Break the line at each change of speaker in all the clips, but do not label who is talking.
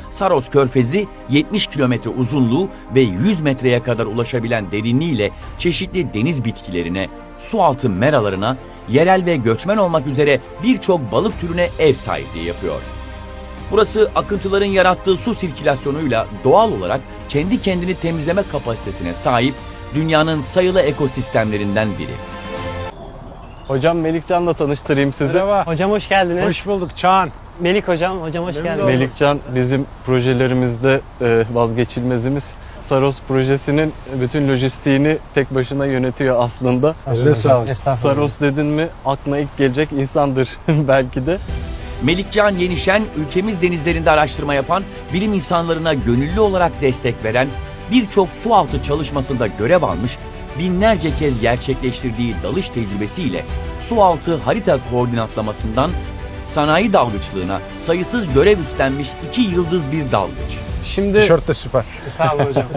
Saros Körfezi 70 kilometre uzunluğu ve 100 metreye kadar ulaşabilen derinliğiyle çeşitli deniz bitkilerine, sualtı meralarına, yerel ve göçmen olmak üzere birçok balık türüne ev sahipliği yapıyor. Burası akıntıların yarattığı su sirkülasyonuyla doğal olarak kendi kendini temizleme kapasitesine sahip dünyanın sayılı ekosistemlerinden biri.
Hocam Melikcan'la tanıştırayım sizi.
Merhaba.
Hocam hoş geldiniz.
Hoş bulduk Çağan.
Melik hocam hoş geldiniz.
Melikcan bizim projelerimizde vazgeçilmezimiz. Saros projesinin bütün lojistiğini tek başına yönetiyor aslında.
Eline sağlık.
Estağfurullah.
Saros dedin mi aklına ilk gelecek insandır belki de.
Melikcan Yenişen, ülkemiz denizlerinde araştırma yapan, bilim insanlarına gönüllü olarak destek veren, birçok sualtı çalışmasında görev almış, binlerce kez gerçekleştirdiği dalış tecrübesiyle sualtı harita koordinatlamasından sanayi dalgıçlığına sayısız görev üstlenmiş 2 yıldız bir dalgıç.
Şimdi
Tişört de süper.
Sağ olun hocam.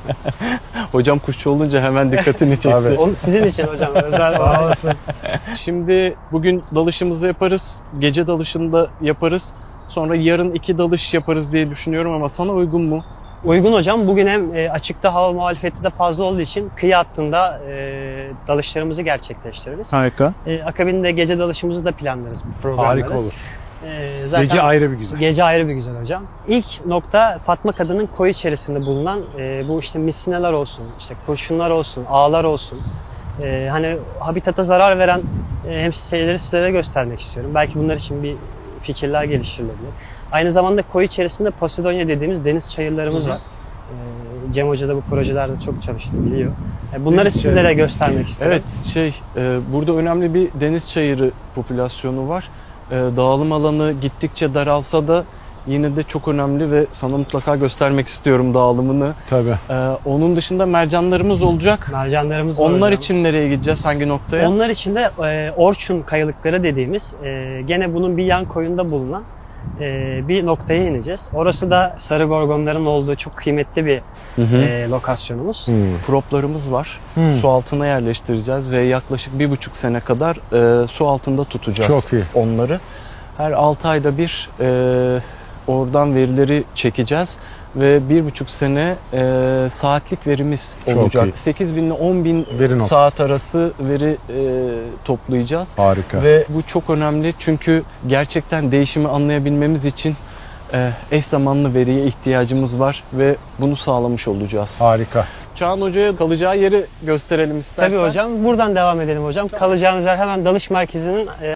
hocam kuşçu olunca hemen dikkatini çekti.
Abi.
Onu sizin için hocam özel
Sağ
olarak.
olasın.
Şimdi bugün dalışımızı yaparız, gece dalışında yaparız. Sonra yarın 2 dalış yaparız diye düşünüyorum ama sana uygun mu?
Uygun hocam. Bugün hem açıkta hava muhalefeti de fazla olduğu için kıyı hattında dalışlarımızı gerçekleştiririz.
Harika.
Akabinde gece dalışımızı da planlarız, programlarız.
Harika olur.
Zaten
Gece ayrı bir güzel.
Gece ayrı bir güzel hocam. İlk nokta Fatma Kadın'ın koyu içerisinde bulunan bu işte misinalar olsun, işte kurşunlar olsun, ağlar olsun. Hani habitata zarar veren şeyleri sizlere göstermek istiyorum. Belki bunlar için bir fikirler geliştirilebilir. Aynı zamanda koyu içerisinde Posidonia dediğimiz deniz çayırlarımız var. Cem Hoca da bu projelerde çok çalıştı, biliyor. Bunları
Deniz
sizlere
çayırı.
göstermek istedim.
Evet, burada önemli bir deniz çayırı popülasyonu var. Dağılım alanı gittikçe daralsa da yine de çok önemli ve sana mutlaka göstermek istiyorum dağılımını.
Tabii.
Onun dışında mercanlarımız olacak.
Mercanlarımız var
Onlar
hocam.
için nereye gideceğiz, hangi noktaya?
Onlar için de Orçun kayalıkları dediğimiz gene bunun bir yan koyunda bulunan bir noktaya ineceğiz. Orası da sarı gorgonların olduğu çok kıymetli bir lokasyonumuz.
Proplarımız var. Su altına yerleştireceğiz ve yaklaşık 1,5 sene kadar su altında tutacağız
Çok iyi.
onları. Her 6 ayda bir oradan verileri çekeceğiz ve 1,5 sene saatlik verimiz
Çok
olacak.
iyi.
8.000 ile 10.000
Veri noktası.
saat arası veri toplayacağız.
Harika.
Ve bu çok önemli çünkü gerçekten değişimi anlayabilmemiz için eş zamanlı veriye ihtiyacımız var ve bunu sağlamış olacağız.
Harika.
Çağan Hoca'ya kalacağı yeri gösterelim istersen.
Tabii hocam. Buradan devam edelim hocam. Kalacağınız yer hemen dalış merkezinin